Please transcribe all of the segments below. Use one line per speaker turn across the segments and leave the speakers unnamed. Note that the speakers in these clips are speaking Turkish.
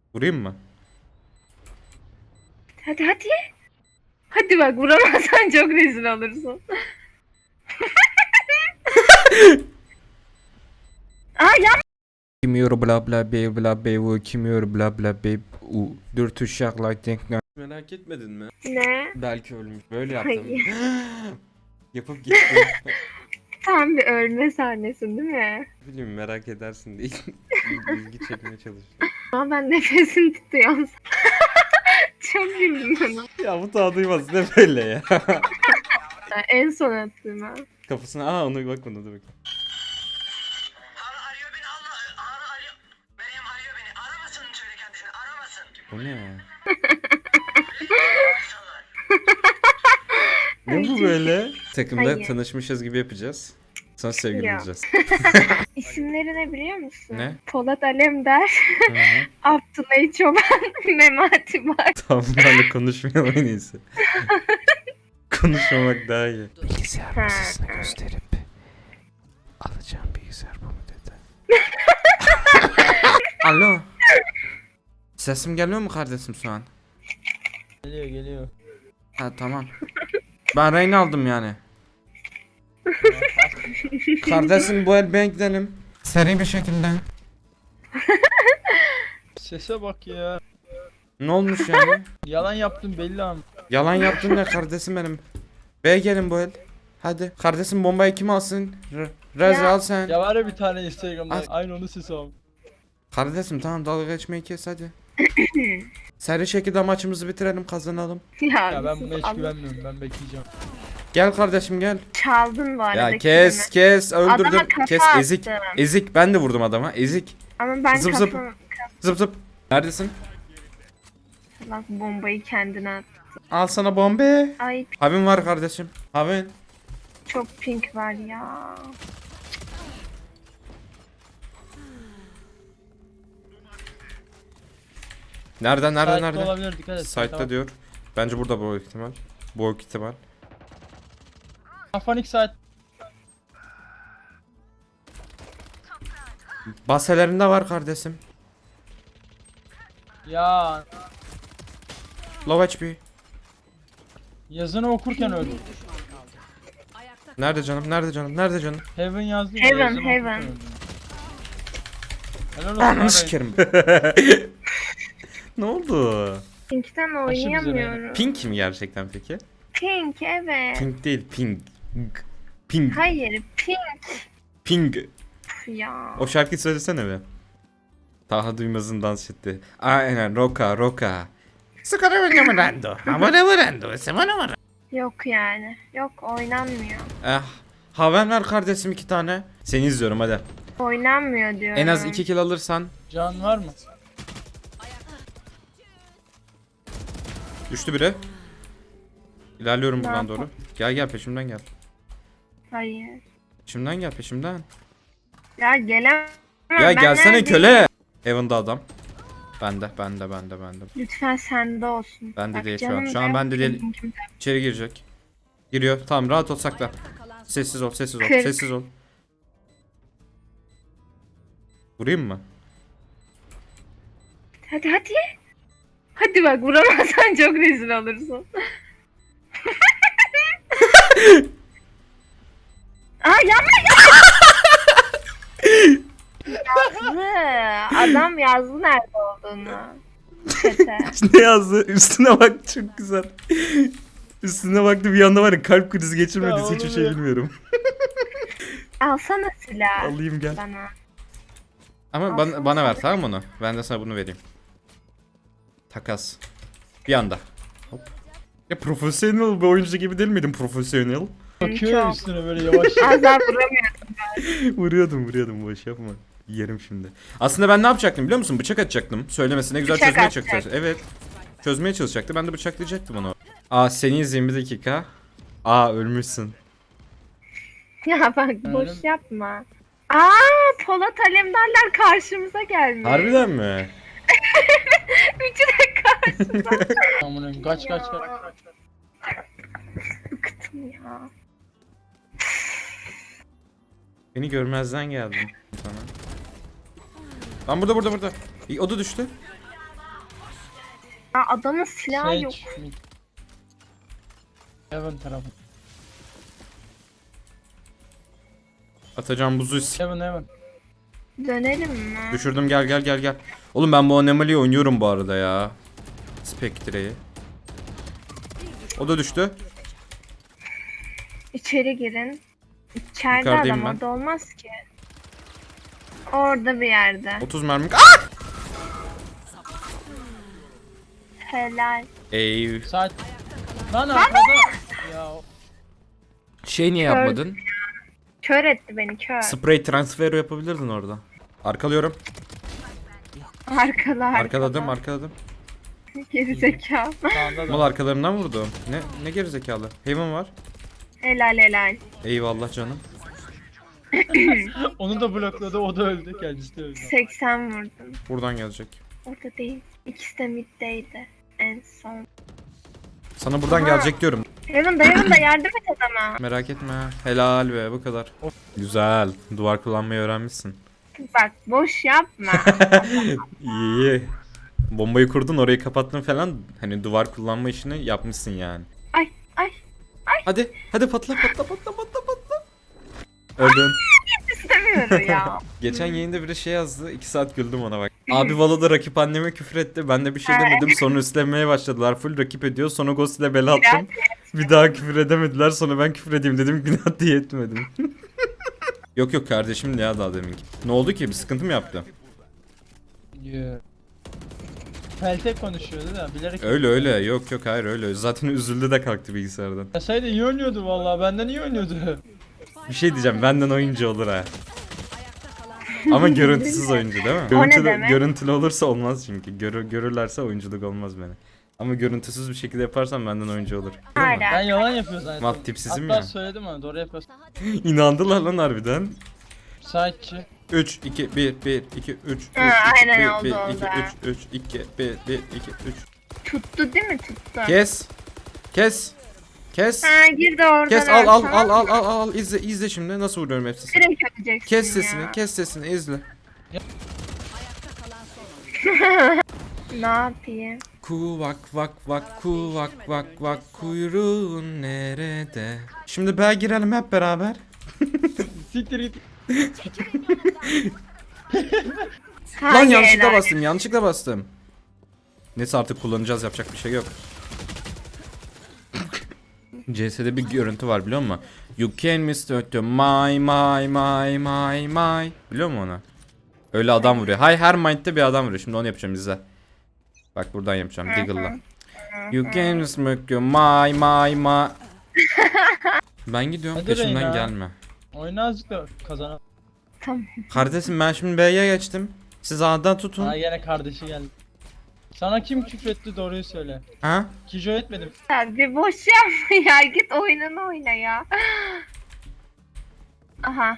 Vurayım mı?
Hadi hadi. Hadi bak, vuramazsan çok rezil olursun. Aa ya.
Kimyor bla bla be bla be bu kimyor bla bla be u dört uşak like merak etmedin mi?
Ne?
Belki ölmüş. Böyle yaptım.
Hayır.
Yapıp gittim.
Tam bir ölme sahnesin değil mi?
Bilmiyorum merak edersin diye ilgi çekmeye çalıştım.
Ama ben nefesini tutuyorum. Çok güldüm bana.
Ya bu tadı duymaz ne böyle ya.
En son attığıma.
Kafasına onu bakmadı dur bakayım.
Arıyor beni Allah. Arıyor. Meryem arıyor beni. Aramasın söyle kendisini. Aramasın.
Bu ne?
İnsanlar.
Ne bu böyle? Takımda
Hayır.
tanışmışız gibi yapacağız. Sonra sevgili
Ya.
olacağız.
İsimleri ne biliyor musun?
Ne?
Polat Alemdar,
Hı hı.
Abdullah Çoban, Memati Bay.
Tamam bunlarla konuşmayalım en iyisi. Konuşmamak daha iyi. Bilgisayar
Ha,
masasını
ha.
gösterip alacağım bilgisayar bu mu dedi. Alo. Sesim geliyor mu kardeşim şu an?
Geliyor.
Ha tamam. Ben Reyna aldım yani. Kardeşim bu el ben gidelim. Seri bir şekilde.
Sese bak ya.
Ne olmuş yani?
Yalan yaptın belli ama.
Yalan yaptın ya kardeşim benim. B'ye gelin bu el. Hadi. Kardeşim bombayı kim alsın? Reza
Ya.
al sen.
Ya var ya bir tane Instagram'da
As-
aynı onun sesi abi.
Kardeşim tamam dalga geçmeyi kes hadi. Seri şekilde maçımızı bitirelim kazanalım.
Ya ben
sus,
buna hiç
Allah.
güvenmiyorum, ben bekleyeceğim.
Gel kardeşim gel.
Çaldın bu arada.
Ya kes öldürdüm.
Adama kafa
Kes ezik.
attım.
Ezik ben de vurdum adama ezik.
Ama ben
Zıp zıp.
kafam...
Zıp zıp. Neredesin?
Bak, bombayı kendine at.
Al sana bombe.
Ay
Havin var kardeşim. Havin.
çok pink var ya.
Nerede
Site'de
nerede?
olabilir, dikkat et.
Site'da diyor. Bence burada bu ihtimal. Bu ihtimal.
Afanik site.
Baselerinde var kardeşim.
Ya
Low HP.
yazını okurken öldüm.
Nerede canım? Nerede canım? Nerede canım?
Heaven yazdı ya,
Heaven,
yazını
Heaven.
okurken öldüm. Helal olsun
Ananı
abi.
sikerim. Ne oldu?
Pink'ten oynayamıyorum.
Pink mi gerçekten peki?
Pink evet.
Pink değil, pink. Pink.
Hayır pink
Pink.
ya.
O şarkıyı söylesene be. Taha Duymaz'ın dans etti. Aynen, Roka. Sıkara oynamırando. Amara varando. Semana var.
Yok yani. Yok oynanmıyor.
Haven ver kardeşim 2 tane. Seni izliyorum hadi.
Oynanmıyor diyorum.
En az 2 kill alırsan.
Can var mı?
Düştü biri. İlerliyorum buradan
yapalım?
doğru. Gel peşimden gel.
Hayır.
Peşimden gel peşimden.
Ya gelemem.
Ya
Ben
gelsene
neredeyim?
köle. Heaven'da adam. Bende.
Lütfen sende olsun.
Bende
Bak
değil şu an.
canım
Şu an
ben
bende değil.
pink'im.
İçeri girecek. Giriyor. Tamam rahat ol sakla. Sessiz ol.
Kırk.
Sessiz ol. Vurayım mı?
Hadi hadi. Hadi bak, vuramazsan çok rezil olursun. Aa yapma. Yazdı. Adam yazdı nerede olduğunu. Çete.
Ne yazdı? Üstüne bak çok güzel. Üstüne baktı bir anda var ya kalp krizi
Ya
geçirmediyse hiçbir
oğlum
şey
ya.
bilmiyorum.
Alsana silah.
Alayım gel.
Bana.
Ama bana ver tamam mı onu? Ben de sana bunu vereyim. Takas. Bir anda. Hop. Ya profesyonel bir oyuncu gibi değil miydin profesyonel?
Bakıyor ya
Çok.
üstüne böyle yavaş.
Az daha vuramıyorum.
vuruyordum boş yapma. Yerim şimdi. Aslında ben ne yapacaktım biliyor musun? Bıçak atacaktım. Söylemesine güzel
Bıçak
çözmeye
atacak.
çalışacaktım. Evet. Çözmeye çalışacaktı. Ben de bıçaklayacaktım onu. Aa seni izleyeyim bir dakika. Aa ölmüşsün.
Ya bak boş
Öyle mi?
yapma. Aa, Polat Alemdarlar karşımıza gelmiş.
Harbiden mi?
Üçü de karşımıza.
Aman kaç.
Bıktım ya.
Beni görmezden geldin sana. Lan burada. O da düştü.
Aa, adamın silahı yok.
Sage. Heaven tarafı.
Atacağım buzu.
Heaven.
Dönelim mi?
Düşürdüm, gel. Oğlum ben bu Anomali'yi oynuyorum bu arada ya. Spectre'yi. O da düştü.
İçeri girin. İçeride
Yukarıdayım
adam
ben.
orada olmaz ki. Orada bir yerde.
30 mermi. Ah!
Helal.
Ey.
Saat. Lan arkada. Ya
Şey niye
Kör.
yapmadın?
Kör etti beni kör.
Spray transferi yapabilirdin orada. Arkalıyorum.
Arkada.
Arkaladım.
Gerizekalı.
sağında
Mal
da.
arkalarından vurdum. Ne gerizekalı. Haven var.
Helal.
Eyvallah canım.
Onu da blokladı, o da öldü. Kendisi de öldü.
80 vurdum.
Buradan gelecek.
Orada değil. İkisi de middeydi. En son.
Sana buradan
Aha.
gelecek diyorum.
Heaven da yardım et adama.
Merak etme. Helal be, bu kadar. Güzel. Duvar kullanmayı öğrenmişsin.
Bak boş yapma.
İyi. Bombayı kurdun, orayı kapattın falan. Hani duvar kullanma işini yapmışsın yani.
Ay.
Hadi patla. Öldün.
İstemiyorum ya.
Geçen yayında biri şey yazdı. 2 saat güldüm ona bak. Abi Valo'da rakip anneme küfür etti. Ben de bir şey demedim. Sonra üstlenmeye başladılar. Full rakip ediyor. Sonra Ghost ile bela attım. Bir daha küfür edemediler. Sonra ben küfür edeyim dedim. Günah diye etmedim. Yok kardeşim ya daha deminki. Ne oldu ki? Bir sıkıntı mı yaptı?
Yeah. Peltek konuşuyordu da bilerek.
Öyle. Yok hayır öyle. Zaten üzüldü de kalktı bilgisayardan.
Yasaydı iyi oynuyordu vallahi, benden iyi oynuyordu.
Bir şey diyeceğim. Benden oyuncu olur ha. Ama görüntüsüz oyuncu değil mi?
O ne
Görüntülü,
demek?
görüntülü olursa olmaz çünkü. Görürlerse oyunculuk olmaz beni. Ama görüntüsüz bir şekilde yaparsam benden oyuncu olur. Değil mi?
Ben
Hala.
yalan yapıyor zannettim.
Mat tipsizim
Hatta
ya.
söyledim ama doğru yapıyorsun.
İnandılar lan harbiden.
Saatçi.
3 2 1 1 2 3
Ha, aynen
1
oldu,
1
oldu
2
ha.
3 2 1 1 2 3.
Tuttu değil mi? Tuttu.
Kes.
Ha girdi oradan.
Kes al izle şimdi nasıl vuruyorum hepsini.
Direkt öleceksin
Kes sesini izle.
Ne yapayım?
Vak kuyruğun nerede? Şimdi B'ye girelim hep beraber.
Siktir git.
Lan
Hangi
yanlışlıkla bastım. Neyse artık kullanacağız, yapacak bir şey yok. CS'de bir görüntü var biliyor musun? You can miss my. Biliyor musun onu? Öyle adam vuruyor. Her mind'de bir adam vuruyor. Şimdi onu yapacağım, izle. Bak buradan yapacağım Diggle'la. You can miss my. Ben gidiyorum,
Hadi
peşimden
Reyna.
gelme.
Oyunu azıcık da kazanalım.
Tamam.
Kardeşim ben şimdi B'ye geçtim. Siz A'dan tutun.
Ha yine kardeşi geldi. Sana kim küfretti, doğruyu söyle.
Ha?
Kijo etmedim.
Ya bir boş yapma ya. Git oyununu oyna ya. Aha.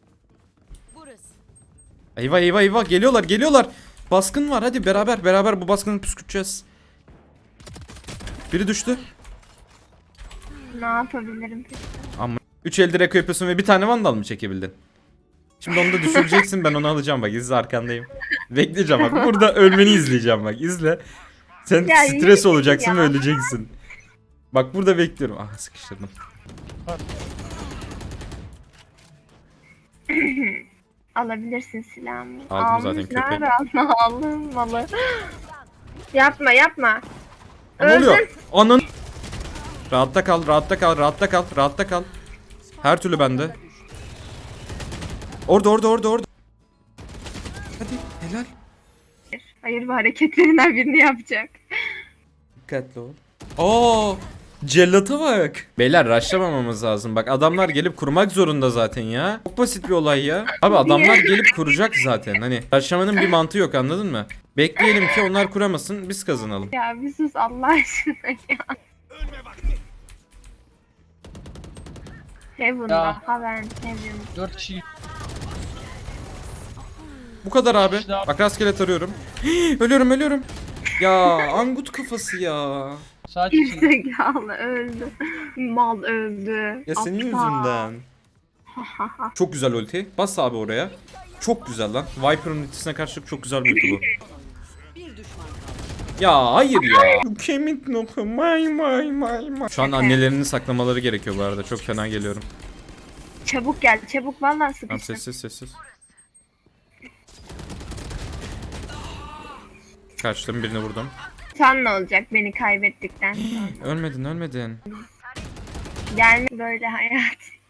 Eyvah geliyorlar. Baskın var, hadi beraber bu baskını püskürteceğiz. Biri düştü.
Ne yapabilirim peki?
3 elde reko yapıyorsun ve bir tane vandal mı çekebildin? Şimdi onu da düşüreceksin, ben onu alacağım bak, izle arkandayım. Bekleyeceğim bak, burada ölmeni izleyeceğim bak, izle. Sen
Ya,
stres
yürü
olacaksın
ya.
ve öleceksin. Bak burada bekliyorum. Ah sıkıştırdım.
Alabilirsin silahımı.
Aldım zaten,
Almış,
köpek.
nerede aldın? Aldım malı. Yapma.
Ne oluyor?
Öldün.
Anın. Rahatta kal. Her türlü bende. Orada. Hadi helal.
Hayır, bu hareketlerinden birini yapacak.
Dikkatli ol. Oo, cellata bak. Beyler rushlamamamız lazım. Bak adamlar gelip kurmak zorunda zaten ya. Çok basit bir olay ya. Abi adamlar gelip kuracak zaten. Hani rushlamanın bir mantığı yok, anladın mı? Bekleyelim ki onlar kuramasın, biz kazanalım.
Ya bir sus Allah aşkına ya. Heaven'da.
Ya.
Heaven.
4 kişi.
Bu kadar abi.
İşte abi.
Bak rastgele tarıyorum. Ölüyorum. Ya angut kafası ya.
Saat için.
Gerizekalı öldü. Mal öldü.
Ya senin
Aptal.
yüzünden. Çok güzel ulti. Bas abi oraya. Çok güzel lan. Viper'ın ultisine karşı çok güzel bir ulti bu. Ya hayır ya. Kemik noku may may may may. Şu an annelerini saklamaları gerekiyor bu arada. Çok fena geliyorum.
Çabuk gel çabuk vallahi
Tamam
sıkıştım.
sessiz sessiz. Kaçtım, birini vurdum.
Sen ne olacak beni kaybettikten sonra?
Ölmedin ölmedin.
Gelme böyle hayat.